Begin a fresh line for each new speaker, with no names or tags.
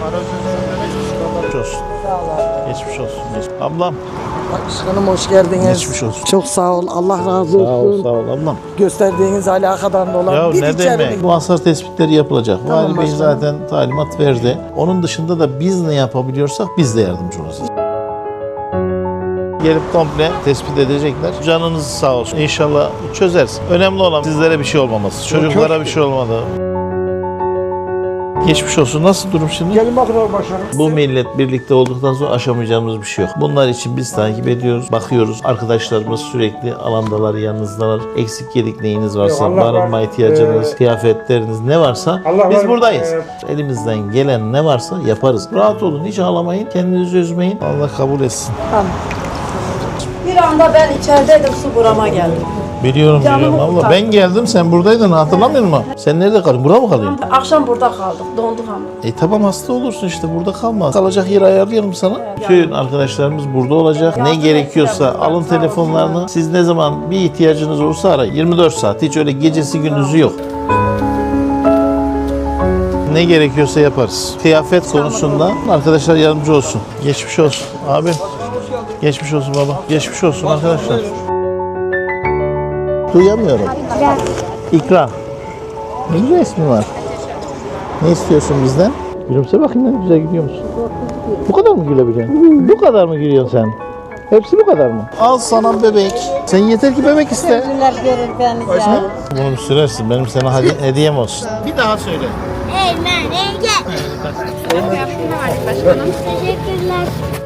Geçmiş olsun.
Sağ ol abi.
Geçmiş olsun. Ablam.
Başkanım hoş geldiniz.
Geçmiş olsun.
Çok sağ ol. Allah razı olsun.
Sağ ol, sağ ol ablam.
Gösterdiğiniz alakadan dolayı.
Ya
bir
ne
içeri
demek? Bu hasar tespitleri yapılacak.
Tamam
Vali Bey
başkanım.
zaten talimat verdi. Onun dışında da biz ne yapabiliyorsak biz de yardımcı olacağız. Gelip komple tespit edecekler. Canınız sağ olsun. İnşallah çözeriz. Önemli olan sizlere bir şey olmaması. Çocuklara bir şey olmadı. Geçmiş olsun. Nasıl durum şimdi?
Gelin bakın başkanım.
Bu millet birlikte olduktan sonra aşamayacağımız bir şey yok. Bunlar için biz takip ediyoruz, bakıyoruz. Arkadaşlarımız sürekli alandalar, yanınızdalar. Eksik yedik neyiniz varsa,
Allah var.
barınma ihtiyacınız, kıyafetleriniz ne varsa
Allah
biz
var.
buradayız. Elimizden gelen ne varsa yaparız. Rahat olun, hiç ağlamayın, kendinizi üzmeyin. Allah kabul etsin.
Bir anda ben içerideydim, su burama geldi.
Biliyorum
Canımı
biliyorum abla.
kurtardı.
Ben geldim, sen buradaydın, hatırlamıyor musun? Sen nerede kalıyorsun? Burada mı kalıyorsun?
Akşam burada kaldık, donduk ama.
Tamam, hasta olursun işte, burada kalma. Kalacak yer ayarlayalım sana. Bütün arkadaşlarımız burada olacak. Ne
Yardım
gerekiyorsa
ettiler,
alın
sağ olsun.
telefonlarını. Siz ne zaman bir ihtiyacınız olursa ara. 24 saat. Hiç öyle gecesi gündüzü yok. Ne gerekiyorsa yaparız. Kıyafet konusunda arkadaşlar yardımcı olsun. Geçmiş olsun abi. Geçmiş olsun baba. Geçmiş olsun arkadaşlar. Duyamıyorum. İkram. Ne güzel ismi var. Ne istiyorsun bizden? Gülümse bakayım, ne güzel gülüyor musun? Bu kadar mı gülebiliyorsun? Bu kadar mı gülüyorsun sen? Hepsi bu kadar mı? Al sana bebek. Sen yeter ki bebek iste.
Günler görür beni ya.
Bunu sürersin. Benim sana hediyem olsun. Bir daha söyle.
Teşekkürler.